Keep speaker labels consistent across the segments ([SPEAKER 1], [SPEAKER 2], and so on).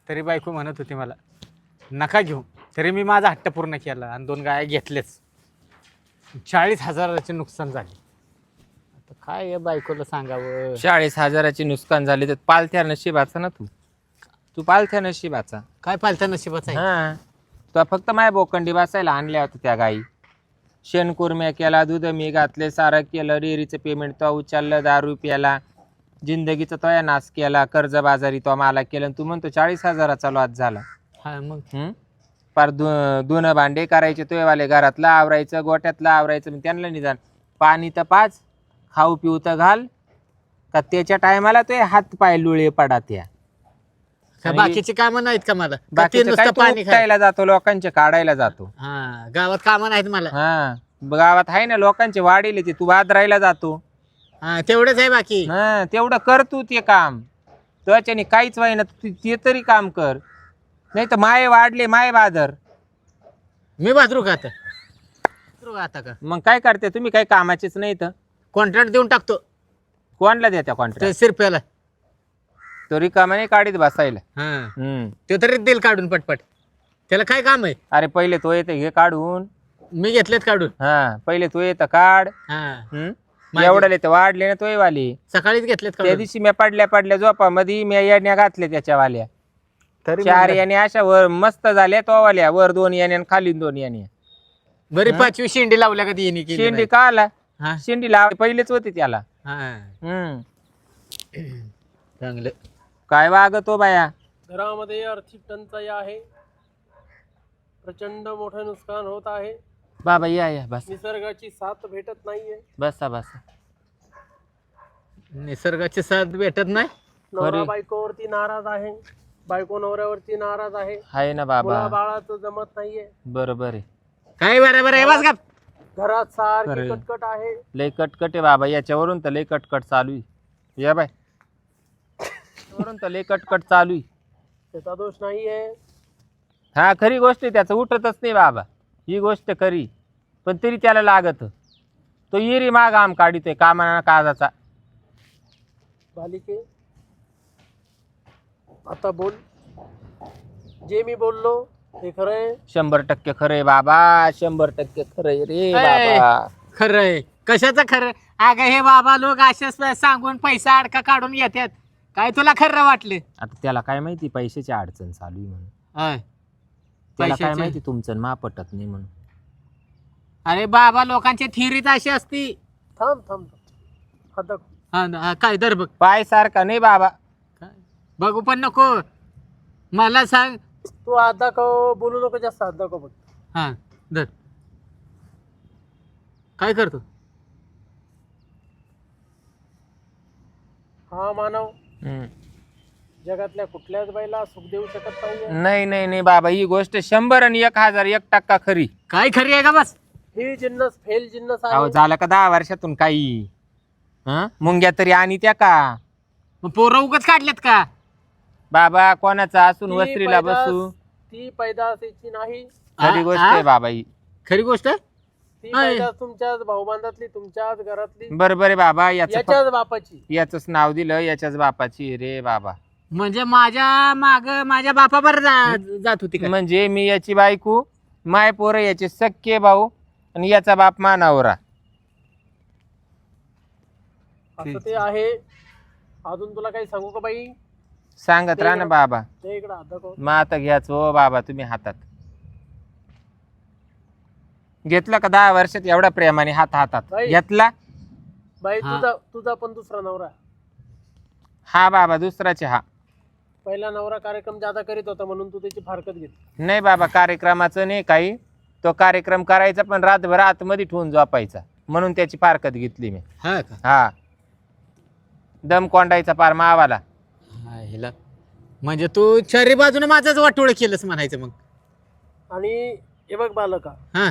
[SPEAKER 1] तरी बायको म्हणत होती मला नका घेऊ, तरी मी माझा हट्ट पूर्ण केला आणि 2 गाया घेतल्याच. 40,000चे नुकसान झाले. आता काय या बायकोला सांगावं.
[SPEAKER 2] 40,000ची नुकसान झाली तर पालथ्या नशिबाचा ना तू पालथ्या नशिबाचा.
[SPEAKER 1] काय पालत्या नशिबाचं आहे.
[SPEAKER 2] हा तो फक्त माय बोकंडी बसायला आणल्या होत्या त्या गाई. शेणकुरम्या केला, दूध मी घातले, सारं केलं, डेअरीचं पेमेंट तो उचललं, दारू प्याला, जिंदगीचा तोया नाश केला, कर्जबाजारी तो मला केलं आणि तू म्हणतो 40,000चा लॉस झाला.
[SPEAKER 1] हा मग
[SPEAKER 2] पार दोन भांडे करायचे तोयवाले, घरातलं आवरायचं, गोट्यातलं आवरायचं. मग त्यांना निदान पाणी तर पाच, खाऊ पिऊ तर घाल, का त्याच्या टायमाला तो हात पाय लुळे पडा त्या.
[SPEAKER 1] बाकीचे कामं नाहीत का मला.
[SPEAKER 2] बाकीचं काय तू उपटायला जातो, लोकांचे काढायला जातो.
[SPEAKER 1] हा गावात कामं नाहीत मला.
[SPEAKER 2] हा गावात आहे ना लोकांचे वाढीले ते तू बाजरायला जातो.
[SPEAKER 1] हा तेवढंच आहे बाकी.
[SPEAKER 2] हा तेवढं कर तू ते काम, त्याच्याने काहीच व्हाय ना. तू ते तरी काम कर, नाही तर माय वाढले माय बाजार.
[SPEAKER 1] मी बाजरू का आता का
[SPEAKER 2] मग काय करते तुम्ही, काही कामाचेच नाही तर
[SPEAKER 1] कॉन्ट्रॅक्ट देऊन टाकतो.
[SPEAKER 2] कोणला देत्या कॉन्ट्रॅक्ट?
[SPEAKER 1] शिरप्याला.
[SPEAKER 2] तो रिकामा नाही काढीत बसायला.
[SPEAKER 1] ते तरी देईल काढून पटपट. त्याला काय काम आहे.
[SPEAKER 2] अरे पहिले तो येते घे काढून,
[SPEAKER 1] मी घेतलेत काढून.
[SPEAKER 2] हा पहिले तो येतं काढ. एवढं तर वाढले ना तोय वाली.
[SPEAKER 1] सकाळीच घेतलेत
[SPEAKER 2] त्या दिवशी मी पडल्या झोपा मध्ये मी येण्या घातले त्याच्या वाल्या. 4 याने अशा वर मस्त झाल्या तो वाल्या, वर 2 याने आणि खाली 2 याने.
[SPEAKER 1] बरी 5वी शेंडी लावल्या कधी येणे केली
[SPEAKER 2] शेंडी का आला,
[SPEAKER 1] हा.
[SPEAKER 2] शेंडी लाव पहिलेच होती त्याला.
[SPEAKER 1] चांगलं
[SPEAKER 2] काय वागतो बाया.
[SPEAKER 3] घरामध्ये आर्थिक टंचाई आहे, प्रचंड मोठं नुकसान होत आहे.
[SPEAKER 2] बाबा या बस,
[SPEAKER 3] निसर्गाची साथ भेटत नाहीये.
[SPEAKER 2] बसा
[SPEAKER 1] निसर्गाची साथ भेटत नाही.
[SPEAKER 3] नवरा बायकोवरती नाराज आहे, बायको नवऱ्यावरती नाराज आहे
[SPEAKER 2] ना बाबा.
[SPEAKER 3] बाळाचं जमत नाहीये.
[SPEAKER 2] बरोबर आहे.
[SPEAKER 1] काय बरोबर आहे. बस का
[SPEAKER 3] घरात सारखी
[SPEAKER 2] खरंय.
[SPEAKER 3] कटकट आहे.
[SPEAKER 2] लय कटकट आहे बाबा, याच्यावरून तर लय कटकट चालू आहे. या बाय, वरून तर लय कटकट चालू आहे.
[SPEAKER 3] त्याचा दोष नाहीये.
[SPEAKER 2] हा खरी गोष्ट आहे, त्याचं उठतच नाही बाबा, ही गोष्ट खरी. पण तरी त्याला लागत, तो येरी माग आम काढितोय कामाना काजाचा.
[SPEAKER 3] बालिके आता बोल, जे मी बोललो हे खरंय.
[SPEAKER 2] 100% खरंय बाबा, 100% खरंय रे बाबा.
[SPEAKER 1] खरंय. कशाचं खरं. अगं हे बाबा लोक असेच सांगून पैसा अडका काढून घेतात. काय तुला खरं वाटलं.
[SPEAKER 2] आता त्याला काय माहिती पैशाची अडचण चालू आहे म्हणून. त्याला काय
[SPEAKER 1] पैशाची?
[SPEAKER 2] माहिती तुमचं मा पटत नाही म्हणून.
[SPEAKER 1] अरे बाबा लोकांची थिरीच अशी असती.
[SPEAKER 3] थांब थांब थांब. आता
[SPEAKER 1] काय दर बघ.
[SPEAKER 2] पाय सारखा नाही बाबा.
[SPEAKER 1] बघू पण नको मला सांग.
[SPEAKER 3] तू हात दाखव, बोलू नको जास्त, हात दाखव बघ.
[SPEAKER 1] हा दर. काय करतो.
[SPEAKER 3] हा मानव जगातल्या कुठल्याच बाईला सुख देऊ शकत
[SPEAKER 2] नाही नाही नाही बाबा, ही गोष्ट 100 आणि 1001% खरी.
[SPEAKER 1] काय खरी आहे का बस.
[SPEAKER 3] ही जिन्नस फेल जिन्नस
[SPEAKER 2] अहो
[SPEAKER 3] आहे.
[SPEAKER 2] झालं का 10 वर्षातून काही मुंग्या तरी आणि त्या का
[SPEAKER 1] मग पोरं उगाच काढलेत का.
[SPEAKER 2] बाबा कोणाचा असून
[SPEAKER 3] ती
[SPEAKER 2] वस्त्रीला
[SPEAKER 3] पैदास-
[SPEAKER 2] बसू.
[SPEAKER 3] ती पैदासीची नाही.
[SPEAKER 2] खरी गोष्ट आहे बाबा ही.
[SPEAKER 1] खरी गोष्ट आहे.
[SPEAKER 3] ती
[SPEAKER 1] आहे.
[SPEAKER 3] पैदास तुमच्याच भाऊबांधातली, तुमच्याच घरातली,
[SPEAKER 2] बरोबर आहे बाबा.
[SPEAKER 3] याच्याच बापाची.
[SPEAKER 2] याच नाव दिलं, याच्याच बापाची रे बाबा.
[SPEAKER 1] म्हणजे माझ्या माग माझ्या बापावर जात होती का.
[SPEAKER 2] म्हणजे मी याची बायको, माय पोरं याचे सख्खे भाऊ आणि याचा बाप मानावरा.
[SPEAKER 3] असं ते आहे. अजून तुला काही सांगू का बाई.
[SPEAKER 2] सांगत राहा ना बाबा.
[SPEAKER 3] ते इकडं हात दाखव.
[SPEAKER 2] मग आता घ्याच हो बाबा तुम्ही हातात. घेतलं का 10 वर्षात एवढ्या प्रेमाने हातात
[SPEAKER 3] बाई.
[SPEAKER 2] घेतला.
[SPEAKER 3] बाई
[SPEAKER 1] हा.
[SPEAKER 3] तुझा पण दुसरा नवरा.
[SPEAKER 2] हा बाबा दुसराचे. हा
[SPEAKER 3] पहिला नवरा कार्यक्रम जादा करीत होता म्हणून तू त्याची फारकत घेतली.
[SPEAKER 2] नाही बाबा, कार्यक्रमाचं नाही काही. तो कार्यक्रम करायचा पण रातभर आतमध्ये ठेवून झोपायचा म्हणून त्याची फारकत घेतली मी.
[SPEAKER 1] हा का.
[SPEAKER 2] हा दम कोंडायचा पार मावाला.
[SPEAKER 1] ह्याला म्हणजे तू चारी बाजूने माझाच वाटोळ केलंस म्हणायचं मग.
[SPEAKER 3] आणि हे बघ बालका,
[SPEAKER 1] हा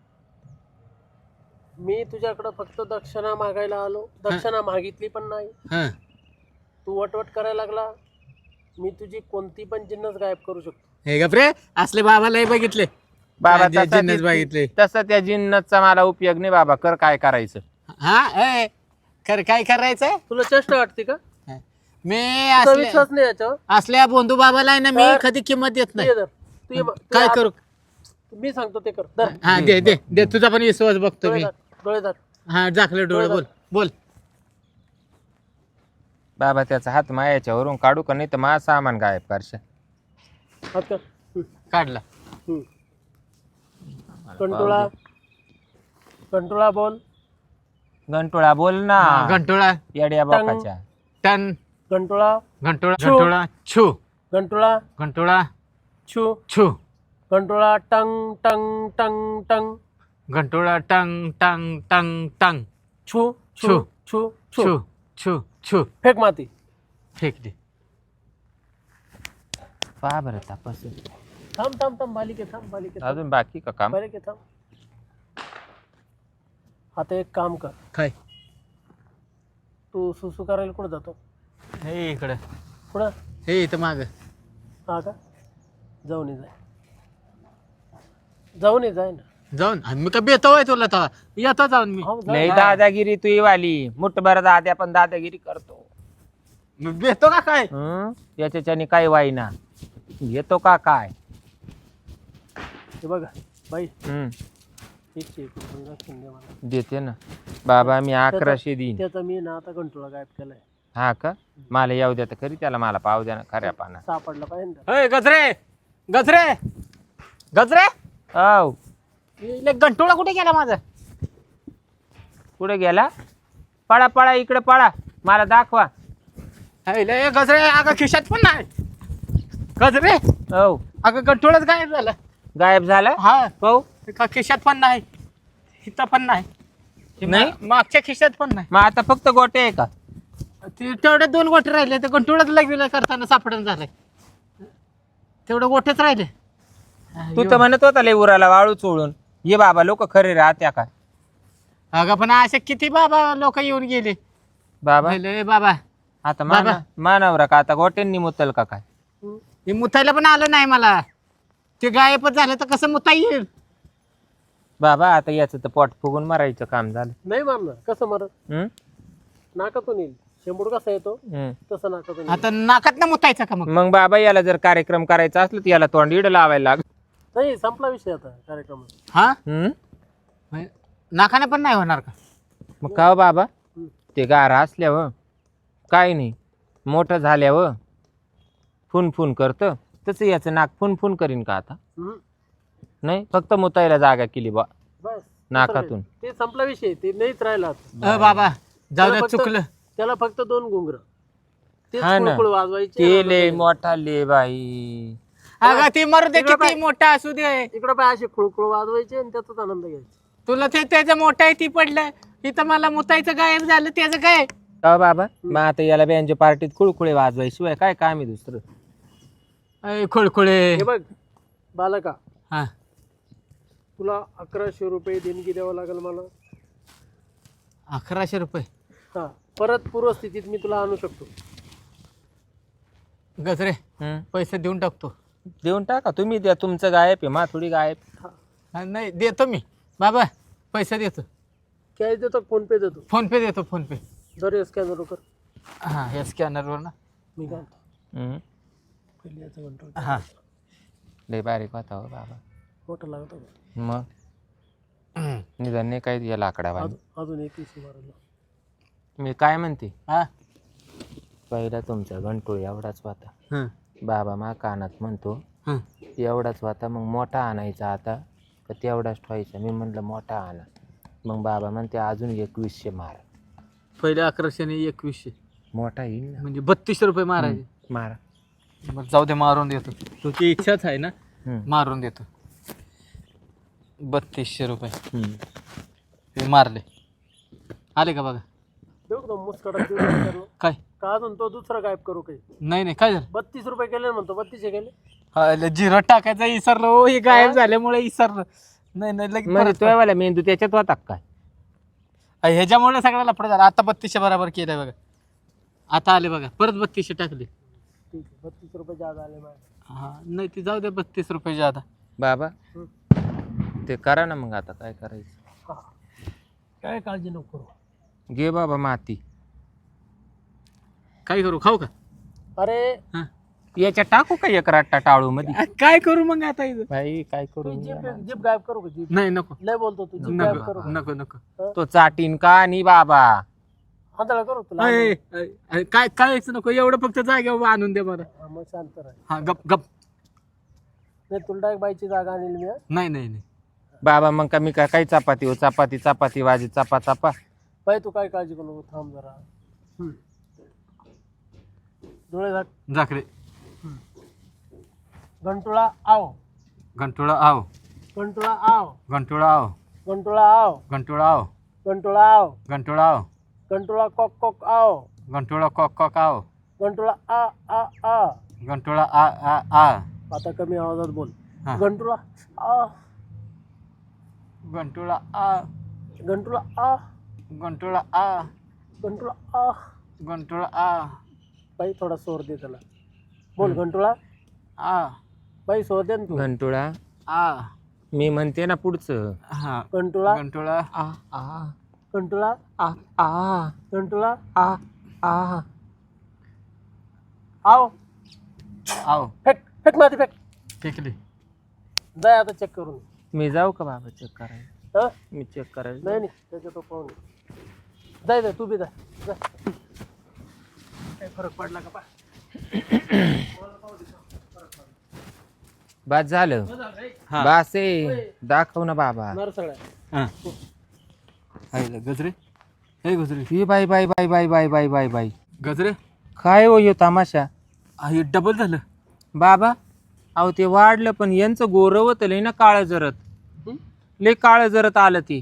[SPEAKER 3] मी तुझ्याकडं फक्त दक्षिणा मागायला आलो. दक्षिणा मागितली पण नाही.
[SPEAKER 1] हा
[SPEAKER 3] तू वटवट करायला लागला. मी तुझी कोणती पण जिन्नस गायब करू शकतो.
[SPEAKER 1] हे गप्रे असले बाबालाही बघितले.
[SPEAKER 2] बाबा
[SPEAKER 1] जे जिन्नस बघितले.
[SPEAKER 2] तसं त्या जिन्नसचा मला उपयोग नाही बाबा. कर काय करायचं.
[SPEAKER 1] हा काय करायचंय.
[SPEAKER 3] तुला चेष्टा वाटते का.
[SPEAKER 1] मी
[SPEAKER 3] तुझा विश्वास नाही याच्यावर.
[SPEAKER 1] असल्या बंधू बाबाला आहे ना मी
[SPEAKER 3] तर-
[SPEAKER 1] कधी किंमत देत
[SPEAKER 3] तू
[SPEAKER 1] नाही.
[SPEAKER 3] ये धर. तू ये बघ. तू
[SPEAKER 1] काय
[SPEAKER 3] ये.
[SPEAKER 1] करू?
[SPEAKER 3] मी सांगतो ते कर. धर.
[SPEAKER 1] हा दे दे दे, तुझा पण विश्वास बघतो
[SPEAKER 3] डोळे
[SPEAKER 1] मी.
[SPEAKER 3] धर. डोळे धर.
[SPEAKER 1] हा झाकले डोळे. बोल बोल.
[SPEAKER 2] बाबा त्याचा हात मायाच्यावरून काढू का, नाही तर माझं सामान गायब करशा.
[SPEAKER 3] हात कर.
[SPEAKER 1] काढला.
[SPEAKER 3] कंटोळा. कंटोळा बोल.
[SPEAKER 2] घंटोळा बोल ना.
[SPEAKER 1] घंटोळा.
[SPEAKER 2] येड्या
[SPEAKER 3] टंग.
[SPEAKER 2] बापाच्या.
[SPEAKER 1] टन.
[SPEAKER 3] कंटोळा.
[SPEAKER 1] घंटोळा.
[SPEAKER 3] छू.
[SPEAKER 1] घंटोळा. छू.
[SPEAKER 3] कंटोळा.
[SPEAKER 1] घंटोळा.
[SPEAKER 3] छू.
[SPEAKER 1] छू.
[SPEAKER 3] कंटोळा. टंग टंग टंग टंग.
[SPEAKER 1] घंटोळा. टंग टंग टंग टंग.
[SPEAKER 3] छू
[SPEAKER 1] छू.
[SPEAKER 3] छू छू छू.
[SPEAKER 1] छू छू छू.
[SPEAKER 3] फेक माती.
[SPEAKER 1] फेकली.
[SPEAKER 2] पहा बरं तपास.
[SPEAKER 3] थांब थांब थांब. बालिके थांब. बालिके थांब.
[SPEAKER 2] अजून बाकी का काम?
[SPEAKER 3] बालिके थांब. आता एक काम कर.
[SPEAKER 1] काय?
[SPEAKER 3] तू सुसू करायला कुठं जातो?
[SPEAKER 1] हे इकडे.
[SPEAKER 3] कुठं?
[SPEAKER 1] हे इथं माग.
[SPEAKER 3] हा का? जाऊन ये जाय. जाऊन ये जाय ना.
[SPEAKER 1] जाऊन मी का बेतोय तुला तर येतो जाऊन मी.
[SPEAKER 3] हो, जा.
[SPEAKER 2] लय दादागिरी तू वाली. मुठभर दाद्या पण दादागिरी करतो.
[SPEAKER 1] मी बेतो का काय?
[SPEAKER 2] याच्याने काय वाईना घेतो का काय?
[SPEAKER 3] हे बघा बाई.
[SPEAKER 2] हम्म,
[SPEAKER 3] एकशे एक रुपये राखून दे मला.
[SPEAKER 2] देते ना बाबा. मी 1100 देईन.
[SPEAKER 3] त्याचा मी ना आता कंट्रोल गायब केलाय.
[SPEAKER 2] हा का? मला येऊ द्या तर खरी, त्याला मला पाव द्या ना खऱ्या पाना.
[SPEAKER 3] सापडला पाहिजे ना.
[SPEAKER 1] अय गजरे गजरे गजरे.
[SPEAKER 2] औ
[SPEAKER 1] इले घंटोळा कुठे गेला माझा?
[SPEAKER 2] कुठे गेला? पळा पळा इकडे पळा, मला दाखवा.
[SPEAKER 1] इले गजरे अगं खिशात पण नाही. गजरे
[SPEAKER 2] औ
[SPEAKER 1] अगं घंटोळाच गायब झाला.
[SPEAKER 2] गायब झाला.
[SPEAKER 1] हा
[SPEAKER 2] पाहू
[SPEAKER 1] का खिशात पण नाही, इथं पण नाही.
[SPEAKER 2] नाही?
[SPEAKER 1] मागच्या खिशात पण नाही.
[SPEAKER 2] मग आता फक्त गोटे आहे का?
[SPEAKER 1] तेवढे 2 गोटे राहिले. ते घंटोळाच लगविला करताना सापडून झालंय. तेवढे गोटेच राहिले.
[SPEAKER 2] तू तर म्हणत होता लय उराला वाळू चोळून ये बाबा. लोक खरे राहत्या का
[SPEAKER 1] अगं पण असे किती बाबा लोक येऊन गेले.
[SPEAKER 2] बाबा?
[SPEAKER 1] म्हणले, बाबा
[SPEAKER 2] आता
[SPEAKER 1] बाबा.
[SPEAKER 2] मानवरा का आता गोट्यांनी मुतल का काय?
[SPEAKER 1] हे मुतायला पण आलं नाही मला. ते गायबच झालं तर कसं मुता येईल?
[SPEAKER 2] बाबा आता याचं तर पोट फुगून मारायचं काम झालं.
[SPEAKER 3] नाही मारणार. कसं मारत?
[SPEAKER 2] हम्म?
[SPEAKER 3] नाकातून येईल. शेंबूड कसा येतो
[SPEAKER 2] हम्म.
[SPEAKER 3] तसं नाकातून येईल.
[SPEAKER 1] आता नाकात ना मुतायचं का मग?
[SPEAKER 2] मग बाबा याला जर कार्यक्रम करायचा असला तर याला तोंड इड लावायला लाग.
[SPEAKER 3] नाही संपला विषय आता कार्यक्रमात.
[SPEAKER 1] हा
[SPEAKER 2] हम्म?
[SPEAKER 1] नाकाने पण नाही होणार का?
[SPEAKER 2] मग का हो बाबा? ते गारा असल्यावर काय नाही, मोठं झाल्यावर फुन फुन करतं तसं याचं नाक फुन फुन करीन का आता? नाही, फक्त मुतायला जागा केली बा
[SPEAKER 3] बस
[SPEAKER 2] नाकातून.
[SPEAKER 3] ते संपला विषय. ते नाहीच राहिला आता.
[SPEAKER 1] बाबा जाऊ दे,
[SPEAKER 3] त्याला फक्त-
[SPEAKER 1] चुकलं.
[SPEAKER 3] त्याला फक्त 2 घुंगर तेच
[SPEAKER 2] हा ना.
[SPEAKER 3] कुळकुळ वाजवायचे.
[SPEAKER 2] ते लय मोठा ले बाई.
[SPEAKER 1] अगं ते मरू दे,
[SPEAKER 3] इकडं
[SPEAKER 1] किती
[SPEAKER 3] पाय.
[SPEAKER 1] मोठा असू दे.
[SPEAKER 3] इकडे पाय असे खुळकुळ वाजवायचे आणि त्याचाच आनंद घ्यायचा.
[SPEAKER 1] तुला ते त्याचं मोठं आहे ती पडलं. इथं मला मुतायचं गायब झालं. त्याचं काय?
[SPEAKER 2] का हो बाबा? मग आता याला बँजो पार्टीत कुळकुळे वाजवायशिवाय काय काम आहे दुसरं?
[SPEAKER 1] खुळखुळे.
[SPEAKER 3] हे बघ बालका,
[SPEAKER 1] हा
[SPEAKER 3] तुला 1100 रुपये देणगी द्यावं लागेल मला.
[SPEAKER 1] 1100 रुपये.
[SPEAKER 3] हा, परत पूर्वस्थितीत मी तुला आणू शकतो.
[SPEAKER 1] गजरे
[SPEAKER 2] हम्म?
[SPEAKER 1] पैसे देऊन टाकतो.
[SPEAKER 2] देऊन टाका तुम्ही द्या. तुमचं गायब आहे, मा थोडी गायब.
[SPEAKER 3] हा,
[SPEAKER 1] नाही देतो मी बाबा. पैसे देतो.
[SPEAKER 3] कॅश देतो, फोन पे देतो.
[SPEAKER 1] फोन पे देतो. PhonePe.
[SPEAKER 3] जर स्कॅनर कर.
[SPEAKER 1] हा या स्कॅनरवर ना.
[SPEAKER 3] मी काय म्हणतो,
[SPEAKER 2] हम्म?
[SPEAKER 3] पहिले याचं कंट्रोल
[SPEAKER 1] हा
[SPEAKER 2] लय बारीक होता हो बाबा.
[SPEAKER 3] मोठं लागतो का?
[SPEAKER 2] मग निदान नाही काय या लाकडा बाई.
[SPEAKER 3] अजून एक विषय मारायला.
[SPEAKER 2] मी काय म्हणते,
[SPEAKER 1] हा
[SPEAKER 2] पहिला तुमचा घंटोळ एवढाच होता.
[SPEAKER 1] हा
[SPEAKER 2] बाबा मा कानात म्हणतो
[SPEAKER 1] हा.
[SPEAKER 2] एवढाच होता, मग मोठा आणायचा आता का तेवढाच ठेवायचा? मी म्हणलं मोठा आणा. मग बाबा म्हणते अजून 2100 मार.
[SPEAKER 1] पहिले 1100 आणि 2100
[SPEAKER 2] मोठा येईल ना.
[SPEAKER 1] म्हणजे 3200 रुपये मारायचे.
[SPEAKER 2] मारा.
[SPEAKER 1] बरं जाऊ दे, मारून देतो. तुझी इच्छाच आहे ना.
[SPEAKER 2] हम्म.
[SPEAKER 1] मारून देतो. 3200 रुपये
[SPEAKER 2] हम्म.
[SPEAKER 1] हे मारले. आले का बघा?
[SPEAKER 3] देऊ का तो मुस्कडा देऊ का?
[SPEAKER 1] काय?
[SPEAKER 3] का अजून तो दुसरा गायब करू काही?
[SPEAKER 1] नाही नाही काय झालं?
[SPEAKER 3] 32 रुपये केले ना म्हणतो. 32 केले.
[SPEAKER 1] हा, झिरो टाकायचं विसरलो. हो हे गायब झाल्यामुळे विसरलो. नाही नाही लगेच
[SPEAKER 2] म्हणजे
[SPEAKER 1] परत
[SPEAKER 2] तो वाला मेंदू त्याच्यात होता का काय?
[SPEAKER 1] ह्याच्यामुळे सगळ्या लफडा झाला. आता 3200 बरोबर केलंय बघा. आता आले बघा, परत 3200 टाकले.
[SPEAKER 3] ठीक आहे, 32 रुपये जादा आले माझे.
[SPEAKER 1] हा नाही ती जाऊ दे, 32 रुपये जादा.
[SPEAKER 2] बाबा ते करा ना. मग आता काय करायचं?
[SPEAKER 3] हा, काय काळजी नको करू.
[SPEAKER 2] घे बाबा माती.
[SPEAKER 1] काय करू? खाऊ का?
[SPEAKER 3] अरे
[SPEAKER 1] हा.
[SPEAKER 2] याच्या टाकू का एक रट्टा टाळू मध्ये
[SPEAKER 1] काय करू मग आता इथं?
[SPEAKER 2] भाई काय
[SPEAKER 3] तू
[SPEAKER 2] करू
[SPEAKER 3] जीप जीप गायब करू का जीप?
[SPEAKER 1] नाही नको
[SPEAKER 3] लय बोलतो तू जीप गायब करू
[SPEAKER 1] नको
[SPEAKER 3] का?
[SPEAKER 1] नको नको
[SPEAKER 2] तो चाटीन का आणि बाबा
[SPEAKER 3] आंधळा करू तुला
[SPEAKER 1] अय, अय, अय, काय काय नको एवढं फक्त जागेवर आणून दे मला.
[SPEAKER 3] हा, मग शांत राह.
[SPEAKER 1] हा गप गप.
[SPEAKER 3] नाही तुला डायरेक्ट बाईची जागा आणली मी हा.
[SPEAKER 1] नाही नाही नाही
[SPEAKER 2] बाबा मग का मी काय काही चपाती हो चपाती चपाती वाजी चपा चपा
[SPEAKER 3] बाई तू काय काळजी करू नको, थांब जरा. डोळे झाक.
[SPEAKER 1] जाकडे
[SPEAKER 3] घंटुळा आव,
[SPEAKER 1] घंटोळा आव
[SPEAKER 3] घंटुळा आव,
[SPEAKER 1] घंटोळा आव
[SPEAKER 3] घंटुळा आव,
[SPEAKER 1] घंटोळा आव
[SPEAKER 3] घंटुळा आव,
[SPEAKER 1] घंटोळा आव
[SPEAKER 3] घंटुळा कॉक कॉक आव,
[SPEAKER 1] घंटोळा कॉक कॉक आव
[SPEAKER 3] घंटुळा आ आ आ.
[SPEAKER 1] घंटोळा आ आ आ.
[SPEAKER 3] आता कमी आवाजात बोल.
[SPEAKER 1] हा.
[SPEAKER 3] घंटुळा आ,
[SPEAKER 1] घंटोळा आ
[SPEAKER 3] घंटुळा आ,
[SPEAKER 1] घंटोळा आ
[SPEAKER 3] घंटुळा आ.
[SPEAKER 1] घंटोळा आ
[SPEAKER 3] बाई थोडा सोर दे त्याला. बोल घंटुळा.
[SPEAKER 1] आ
[SPEAKER 3] बाई सोर दे ना तू.
[SPEAKER 2] घंटुळा
[SPEAKER 1] आ.
[SPEAKER 2] मी म्हणते ना पुढचं
[SPEAKER 1] हा
[SPEAKER 3] घंटुळा,
[SPEAKER 1] घंटोळा
[SPEAKER 2] आ आ
[SPEAKER 3] घंटुळा,
[SPEAKER 2] आ आ
[SPEAKER 3] घंटुळा
[SPEAKER 2] आ आ
[SPEAKER 3] आव.
[SPEAKER 1] आव
[SPEAKER 3] फेक फेक माती फेक.
[SPEAKER 1] फेकली.
[SPEAKER 3] जाय आता चेक करून.
[SPEAKER 2] मी जाऊ का बाबा चेक करायला
[SPEAKER 3] हा
[SPEAKER 2] मी चेक करायला
[SPEAKER 3] नाही नाही त्याच्या तो पाहून ये. जाय जाय तू बी जाय जाय. काय फरक पडला का पा.
[SPEAKER 2] बस झालं
[SPEAKER 1] हा.
[SPEAKER 2] बस आहे दाखव ना बाबा
[SPEAKER 3] नर सगळ्या.
[SPEAKER 1] हा हाय गजरे. हे गजरे
[SPEAKER 2] ही बाई बाई बाई बाई बाई बाई बाई बाई
[SPEAKER 1] गजरे.
[SPEAKER 2] काय हो ह्यो तमाशा
[SPEAKER 1] हे डबल झालं.
[SPEAKER 2] बाबा अहो ते वाढलं पण यांचं गोरवत लय ना काळ जरत
[SPEAKER 3] हं?
[SPEAKER 2] लय काळ जरत आलं ते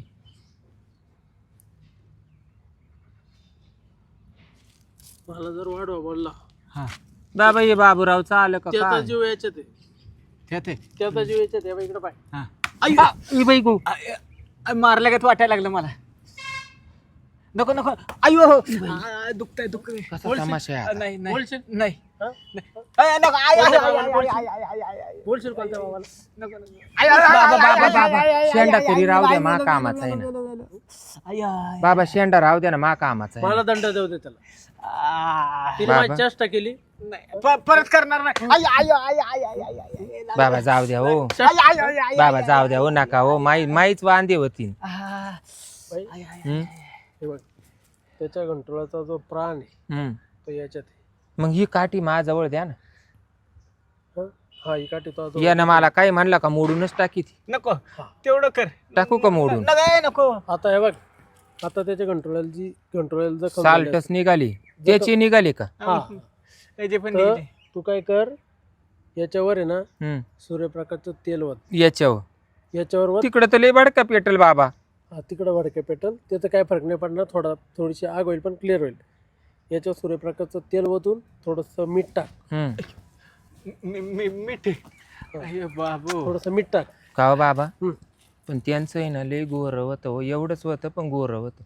[SPEAKER 3] मला जर वाढवा बोलला
[SPEAKER 1] हा
[SPEAKER 2] बाबा हे बाबूरावचं आलं का
[SPEAKER 3] त्याचा
[SPEAKER 2] काय?
[SPEAKER 3] जीव याच्यात आहे.
[SPEAKER 1] त्यात आहे.
[SPEAKER 3] त्याचा जीव याच्यात आहे. इकडे पाय.
[SPEAKER 1] हा
[SPEAKER 2] आ, ई बाई गो
[SPEAKER 1] मारल्या का वाटायला लागलं मला. नको नको अयो दुखतंय दुखतंय.
[SPEAKER 2] कसा तमाशा आहे आता?
[SPEAKER 1] नाही नाही
[SPEAKER 3] बोलशील?
[SPEAKER 1] नाही
[SPEAKER 3] हा?
[SPEAKER 1] नको आय, आय, आय, आय,
[SPEAKER 3] बोलशील?
[SPEAKER 1] आय, आय, आय, आय, आय.
[SPEAKER 3] बोलशील कोणत्या बाबाला?
[SPEAKER 1] नको, नको. आय, आय, आय,
[SPEAKER 2] बाबा
[SPEAKER 1] आय,
[SPEAKER 2] बाबा
[SPEAKER 1] आय,
[SPEAKER 2] बाबा
[SPEAKER 1] आय, आय, आय,
[SPEAKER 2] शेंडा
[SPEAKER 1] आय,
[SPEAKER 2] तरी
[SPEAKER 1] आय,
[SPEAKER 2] राहू द्या
[SPEAKER 1] आय,
[SPEAKER 2] मा
[SPEAKER 1] नको,
[SPEAKER 2] कामाचा आहे
[SPEAKER 1] नको,
[SPEAKER 2] ना
[SPEAKER 1] नको, नको, नको. आय, आय.
[SPEAKER 2] बाबा शेंडा राहू द्या ना मा कामाचा आहे
[SPEAKER 3] मला
[SPEAKER 2] ना.
[SPEAKER 3] दंड देऊ दे त्याला.
[SPEAKER 1] आ,
[SPEAKER 3] तिने
[SPEAKER 2] बाबा.
[SPEAKER 3] माझी चेष्टा केली.
[SPEAKER 1] नाही, परत करणार नाही. आय, आय, आय, आय, आय, आय, आय.
[SPEAKER 2] बाबा जाऊ द्या हो
[SPEAKER 1] आय, आय, आय, आय,
[SPEAKER 2] बाबा
[SPEAKER 1] आय,
[SPEAKER 2] जाऊ द्या हो नका हो माईच वांदे होती
[SPEAKER 1] आ,
[SPEAKER 3] बाई,
[SPEAKER 1] आय, आय.
[SPEAKER 2] हम्म?
[SPEAKER 3] हे बघ त्याच्या घंटुळाचा जो प्राण आहे
[SPEAKER 2] हम्म.
[SPEAKER 3] तो याच्यात आहे.
[SPEAKER 2] मग ही काठी माझ्याजवळ द्या ना
[SPEAKER 3] हा? हा ही काठी तो
[SPEAKER 2] यानं मला काय म्हणलं का मोडूनच टाकी ती
[SPEAKER 1] नको तेवढं कर.
[SPEAKER 2] टाकू का मोडून
[SPEAKER 1] नको
[SPEAKER 3] आता हे बघ आता त्याच्या घंटुळ्याला जखम झाली
[SPEAKER 2] साल्टच निघाली त्याची निघाली का
[SPEAKER 3] हा.
[SPEAKER 1] त्याचे पण
[SPEAKER 3] तर
[SPEAKER 1] निघते.
[SPEAKER 3] तू काय कर याच्यावर आहे ना
[SPEAKER 2] हम्म.
[SPEAKER 3] सूर्यप्रकाशचं तेल वत.
[SPEAKER 2] याच्यावर
[SPEAKER 3] याच्यावर वत.
[SPEAKER 2] तिकडं तर लय बडका पेटल बाबा
[SPEAKER 3] हा तिकडं भडके पेटल त्याचं काय फरक नाही पडणार. थोडीशी आग होईल पण क्लिअर होईल. याच्यावर सूर्यप्रकाशचं तेल वतून थोडंसं मीठ टाक.
[SPEAKER 2] हम्म.
[SPEAKER 1] मीठ. अय्यो बाबू.
[SPEAKER 3] थोडंसं मीठ टाक.
[SPEAKER 2] का हो बाबा
[SPEAKER 3] हम्म.
[SPEAKER 2] पण त्यांचं आहे ना लय गोर होतं हो एवढंच होतं पण गोर होतं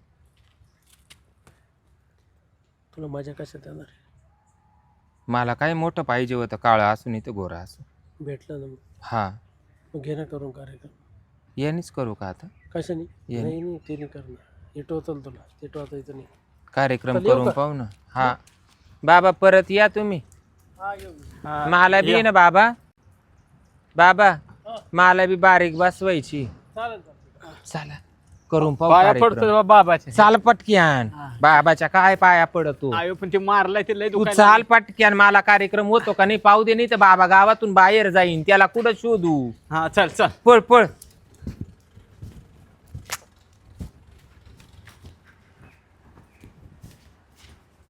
[SPEAKER 3] तुला मजा कशात येणार आहे?
[SPEAKER 2] मला काय मोठं पाहिजे होतं काळं असून इथं गोरा असून
[SPEAKER 3] भेटलं ना मग.
[SPEAKER 2] हा
[SPEAKER 3] मग घे ना करून कार्यक्रम.
[SPEAKER 2] यानेच करू का आता
[SPEAKER 3] कशाने?
[SPEAKER 2] ये.
[SPEAKER 3] नाही नाही ते नाही करणार. हे टोचल तुला ते टोचायचं नाही.
[SPEAKER 2] कार्यक्रम
[SPEAKER 3] चल येऊ
[SPEAKER 2] करून
[SPEAKER 3] का?
[SPEAKER 2] पाहू ना हा बाबा परत या तुम्ही
[SPEAKER 3] हा येऊ.
[SPEAKER 1] हा,
[SPEAKER 2] मला बी
[SPEAKER 1] या.
[SPEAKER 2] ना बाबा बाबा
[SPEAKER 3] हा.
[SPEAKER 2] मला बी बारीक बसवायची
[SPEAKER 3] चालेल चालेल.
[SPEAKER 2] चला करून पाहू
[SPEAKER 1] पाया
[SPEAKER 2] कार्यक्रम.
[SPEAKER 1] पडतो बाबाचे.
[SPEAKER 2] चाल पटक्यान
[SPEAKER 1] हा.
[SPEAKER 2] बाबाच्या काय पाया पडतो
[SPEAKER 1] आयो पण ते मारलाय ते लय
[SPEAKER 2] तू
[SPEAKER 1] दुखायला
[SPEAKER 2] चाल पटक्यान मला कार्यक्रम होतो का नाही पाहू दे नाही तर बाबा गावातून बाहेर जाईन त्याला कुठं शोधू
[SPEAKER 1] लागलं. हा चल चल.
[SPEAKER 2] पळ पळ